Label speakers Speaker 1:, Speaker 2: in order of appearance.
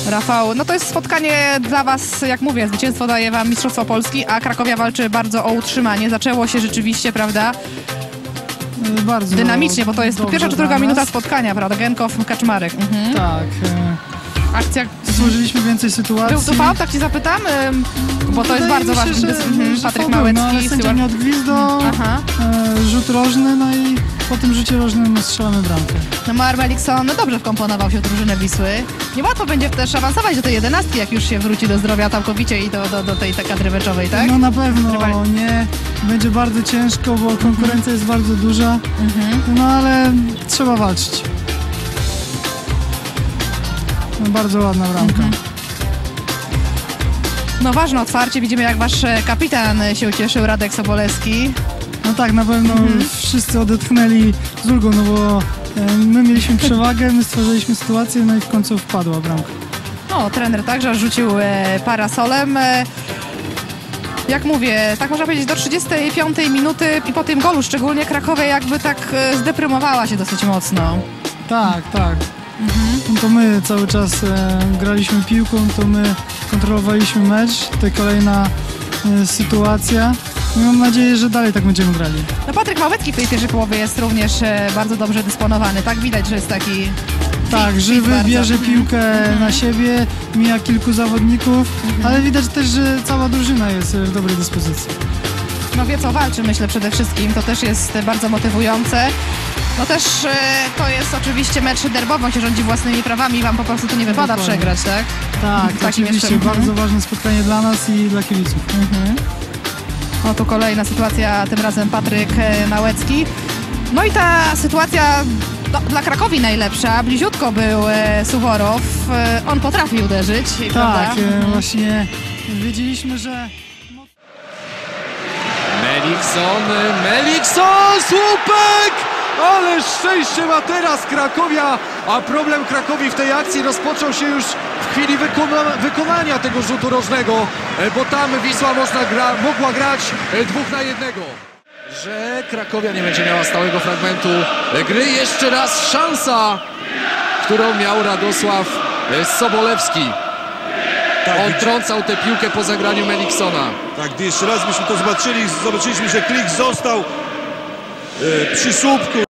Speaker 1: Rafał, no to jest spotkanie dla was, jak mówię, zwycięstwo daje wam Mistrzostwo Polski, a Krakowia walczy bardzo o utrzymanie. Zaczęło się rzeczywiście, prawda,
Speaker 2: bardzo
Speaker 1: dynamicznie, bo to jest pierwsza czy druga minuta spotkania, prawda, Genkow, Kaczmarek.
Speaker 2: Tak.
Speaker 1: Akcja.
Speaker 2: Stworzyliśmy więcej sytuacji.
Speaker 1: Był tu faul, tak ci zapytam, bo to jest bardzo ważne. Patryk Małecki,
Speaker 2: no, ale sędzia nie odgwizdał, rzut rożny, no i po tym rzucie rożnym strzelamy bramkę.
Speaker 1: No Mar Melikson dobrze wkomponował się w drużynę Wisły. Niełatwo będzie też awansować do tej 11, jak już się wróci do zdrowia całkowicie i do tej kadry meczowej, tak?
Speaker 2: No na pewno nie. Będzie bardzo ciężko, bo konkurencja jest bardzo duża, no ale trzeba walczyć. No, bardzo ładna bramka.
Speaker 1: No ważne otwarcie, widzimy jak wasz kapitan się ucieszył, Radek Sobolewski.
Speaker 2: No tak, na pewno wszyscy odetchnęli z ulgą, no bo my mieliśmy przewagę, my stworzyliśmy sytuację, no i w końcu wpadła bramka.
Speaker 1: No, trener także rzucił parasolem. Jak mówię, tak można powiedzieć, do 35 minuty i po tym golu szczególnie Krakowia jakby tak zdeprymowała się dosyć mocno.
Speaker 2: Tak. No to my cały czas graliśmy piłką, to my kontrolowaliśmy mecz, to kolejna sytuacja. I mam nadzieję, że dalej tak będziemy grali.
Speaker 1: No Patryk Małecki w tej pierwszej połowie jest również bardzo dobrze dysponowany, tak? Widać, że jest taki...
Speaker 2: Tak, żywy, bierze piłkę na siebie, mija kilku zawodników, ale widać też, że cała drużyna jest w dobrej dyspozycji.
Speaker 1: No wie co walczy, myślę przede wszystkim, to też jest bardzo motywujące. No też to jest oczywiście mecz derbowy, on się rządzi własnymi prawami, wam po prostu to nie wypada przegrać, tak?
Speaker 2: Tak, oczywiście, bardzo ważne spotkanie dla nas i dla kibiców.
Speaker 1: No tu kolejna sytuacja, tym razem Patryk Małecki. No i ta sytuacja dla Krakowi najlepsza, bliziutko był Suworow, on potrafi uderzyć.
Speaker 2: Tak,
Speaker 1: prawda?
Speaker 2: właśnie wiedzieliśmy, że...
Speaker 3: Melikson, słupek! Ale szczęście ma teraz Krakowia, a problem Krakowi w tej akcji rozpoczął się już w chwili wykonania tego rzutu rożnego, bo tam Wisła mogła grać 2 na 1. Że Krakowia nie będzie miała stałego fragmentu gry. Jeszcze raz szansa, którą miał Radosław Sobolewski.
Speaker 4: Tak,
Speaker 3: on trącał tę piłkę po zagraniu Meliksona.
Speaker 4: Tak, gdy jeszcze raz byśmy to zobaczyliśmy, że Klich został przy słupku.